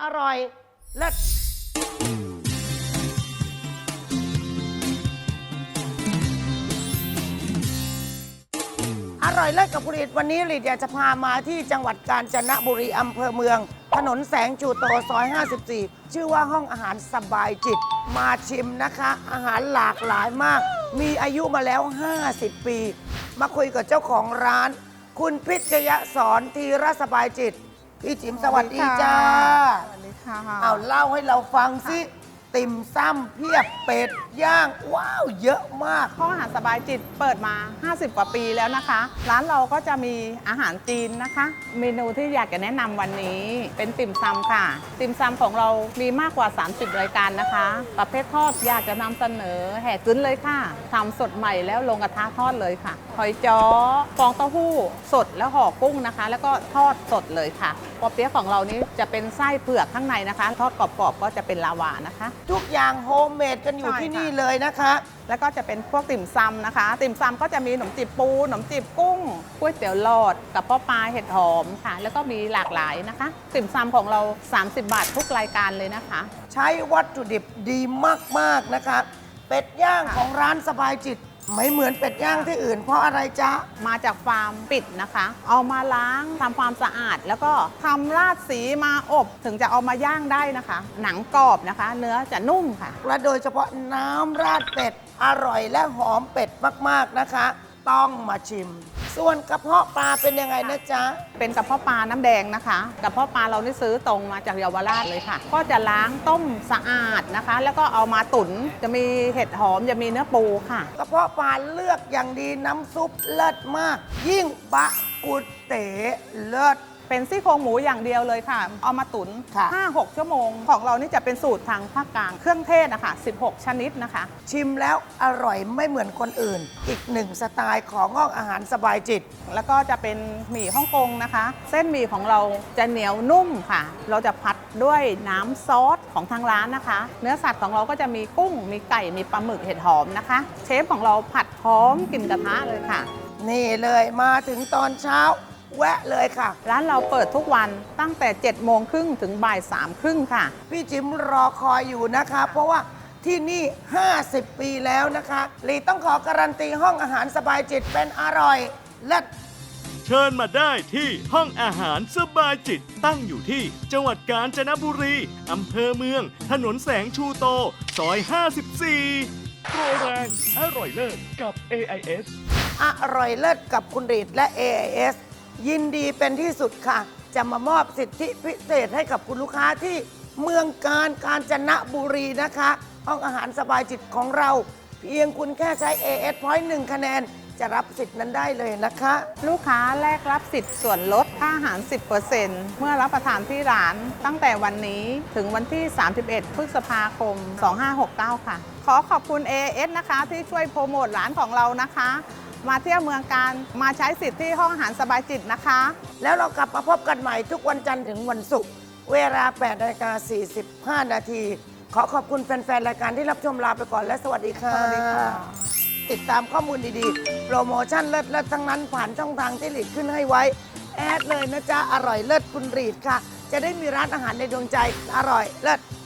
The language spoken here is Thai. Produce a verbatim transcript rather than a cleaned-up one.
อร่อยเลิศอร่อยเลิศกับผลิตวันนี้ลิดอยากจะพามาที่จังหวัดกาญจนบุรีอำเภอเมืองถนนแสงชูโตซอยห้าสิบสี่ชื่อว่าห้องอาหารสบายจิตมาชิมนะคะ อาหารหลากหลายมาก มีอายุมาแล้วห้าสิบปีมาคุยกับเจ้าของร้านคุณพิชยสอนธีรสบายจิตพี่จิ๋มสวัสดีจ้าสวัสดีค่ะเอาเล่าให้เราฟังสิติ่มซ้ำเพียบเป็ดย่างว้าวเยอะมากห้องอาหารสบายจิตเปิดมาห้าสิบกว่าปีแล้วนะคะร้านเราก็จะมีอาหารจีนนะคะ เมนูที่อยากจะแนะนำวันนี้เป็นติ่มซำค่ะติ่มซำของเรามีมากกว่าสามสิบรายการนะคะประเภททอดอยากจะนำเสนอแห่กึ้นเลยค่ะทำสดใหม่แล้วลงกระทะทอดเลยค่ะหอยจ้อฟองเต้าหู้สดแล้วห่อกุ้งนะคะ แล้วก็ทอดสดเลยค่ะปอเปี๊ยะของเรานี้จะเป็นไส้เผือกข้างในนะคะทอดกรอบๆก็จะเป็นลาวานะคะทุกอย่างโฮมเมดกันอยู่ที่นี่เลยนะคะแล้วก็จะเป็นพวกติ่มซำนะคะ ติ่มซำก็จะมีขนมจีบปูขนมจีบกุ้งก๋วยเตี๋ยวหลอดกับพ่อปลาเห็ดหอมค่ะแล้วก็มีหลากหลายนะคะ ติ่มซำของเราสามสิบบาททุกรายการเลยนะคะใช้วัตถุดิบดีมากๆนะคะเป็ดย่างของร้านสบายจิตไม่เหมือนเป็ดย่างที่อื่นเพราะอะไรจ๊ะมาจากฟาร์มปิดนะคะเอามาล้างทำความสะอาดแล้วก็ทำราดสีมาอบถึงจะเอามาย่างได้นะคะ หนังกรอบนะคะ เนื้อจะนุ่มค่ะและโดยเฉพาะน้ำราดเป็ดอร่อยและหอมเป็ดมากๆนะคะต้องมาชิมส่วนกระเพาะปลาเป็นยังไงนะจ๊ะเป็นกระเพาะปลาน้ำแดงนะคะกระเพาะปลาเรานี่ซื้อตรงมาจากเยาวราชเลยค่ะก็จะล้างต้มสะอาดนะคะ แล้วก็เอามาตุ๋นจะมีเห็ดหอมจะมีเนื้อปูค่ะกระเพาะปลาเลือกอย่างดีน้ำซุปเลิศมากยิ่งบะกุดเต๋เลิศเป็นซี่โครงหมูอย่างเดียวเลยค่ะเอามาตุ๋น ห้าหก ชั่วโมงของเรานี่จะเป็นสูตรทางภาคกลางเครื่องเทศนะคะสิบหกชนิดนะคะชิมแล้วอร่อยไม่เหมือนคนอื่นอีกหนึ่งสไตล์ของห้องอาหารสบายจิตแล้วก็จะเป็นหมี่ฮ่องกงนะคะเส้นหมี่ของเราจะเหนียวนุ่มค่ะเราจะผัดด้วยน้ำซอสของทางร้านนะคะเนื้อสัตว์ของเราก็จะมีกุ้งมีไก่มีปลาหมึกเห็ดหอมนะคะเชฟของเราผัดพร้อมกลิ่นกระทะเลยค่ะนี่เลยมาถึงตอนเช้าแวะเลยค่ะร้านเราเปิดทุกวันตั้งแต่เจ็ดโมงครึ่งถึงบ่ายสามครึ่งค่ะพี่จิ๋มรอคอยอยู่นะคะเพราะว่าที่นี่ห้าสิบปีแล้วนะคะลีต้องขอการันตีห้องอาหารสบายจิตเป็นอร่อยเลิศเชิญมาได้ที่ห้องอาหารสบายจิตตั้งอยู่ที่จังหวัดกาญจนบุรีอำเภอเมืองถนนแสงชูโตซอยห้าสิบสี่โปรแรงอร่อยเลิศกับ เอ ไอ เอสอร่อยเลิศกับคุณรีดและ เอ ไอ เอส ยินดีเป็นที่สุดค่ะจะมามอบสิทธิพิเศษให้กับคุณลูกค้าที่เมืองกาญกาญจนบุรีนะคะห้องอาหารสบายจิตของเราเพียงคุณแค่ใช้ เอ เอส Point หนึ่งคะแนนจะรับสิทธิ์นั้นได้เลยนะคะลูกค้าแลกรับสิทธิ์ส่วนลดค่าอาหาร สิบเปอร์เซ็นต์ เมื่อรับประทานที่ร้านตั้งแต่วันนี้ถึงวันที่ สามสิบเอ็ด พฤษภาคม สองห้าหกเก้า ค่ะขอขอบคุณ เอ เอส นะคะที่ช่วยโปรโมทร้านของเรานะคะมาเที่ยวเมืองกาญมาใช้สิทธิ์ที่ห้องอาหารสบายจิตนะคะแล้วเรากลับมาพบกันใหม่ทุกวันจันทร์ถึงวันศุกร์เวลา แปดนาฬิกาสี่สิบห้า นาทีขอขอบคุณแฟนๆรายการที่รับชมลาไปก่อนและสวัสดีค่ะสวัสดีค่ะติดตามข้อมูลดีๆโปรโมชั่นเลิศๆทั้งนั้นผ่านช่องทางที่หลีดขึ้นให้ไว้แอดเลยนะจ๊ะอร่อยเลิศคุณรีดค่ะจะได้มีร้านอาหารในดวงใจอร่อยเลิศ